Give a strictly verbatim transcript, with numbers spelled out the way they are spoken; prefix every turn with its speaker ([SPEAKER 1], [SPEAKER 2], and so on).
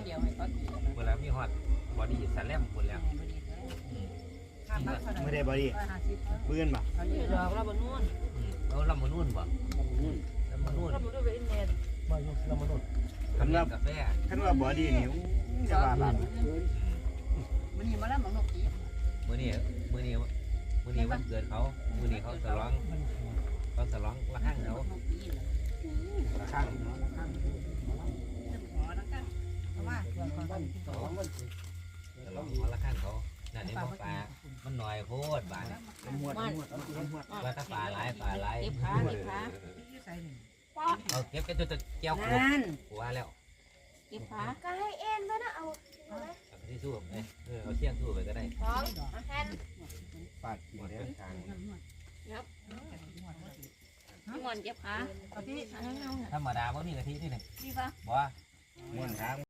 [SPEAKER 1] เดียวให้เขาตี
[SPEAKER 2] หมดแล้วมีฮอตบอดี้สแลมหมดแล้ว
[SPEAKER 3] ไม่ได้บอดี้เบื้อนป่ะ
[SPEAKER 1] ดอกเราบนนู่น
[SPEAKER 2] เอาลำมานุ่นบ่ลำมานุ่น
[SPEAKER 1] เราบนนู่นเป็นเน็ต
[SPEAKER 2] มาอยู่ลำมานุ่นทำกาแฟ
[SPEAKER 3] ท่านว่าบอดี้นี่จะว่าบ้าง
[SPEAKER 1] มันนี่มาแล้วมันนกตี
[SPEAKER 2] มื้อนี้มื้อนี้มื้อนี้วันเกิดเขามื้อนี้เขาฉลองเขาฉลองละครั้งเขา
[SPEAKER 3] ข้าง
[SPEAKER 1] เพราะว่า
[SPEAKER 2] ฉลองเขาละครั้งเขานั่นนี่บ่ปลามันหน่อยโพดบาดนี่
[SPEAKER 3] มวดมวดมวด
[SPEAKER 2] ว่าถ้าปลาหลายปลาหลาย
[SPEAKER 1] เก็บขาเก็บขา
[SPEAKER 2] เอาเก็บกันจนจะแก้วขวดหัวแล้ว
[SPEAKER 1] เก็บขา
[SPEAKER 4] ก็ให้เอ็นด้วยนะเอาเอาไหม
[SPEAKER 2] เอาที่สู้เอ้ยเออเอาเชี่ยงสู้ไปก็ได้
[SPEAKER 4] สองเอาแทน
[SPEAKER 3] ปาดกินเด้อทาง
[SPEAKER 1] พี่มอนเก็บขาเอาที่
[SPEAKER 2] ธรรมดาบ่มีกะทินี่นึง
[SPEAKER 1] พี่ปะ
[SPEAKER 2] บ่
[SPEAKER 3] ม้วนทาง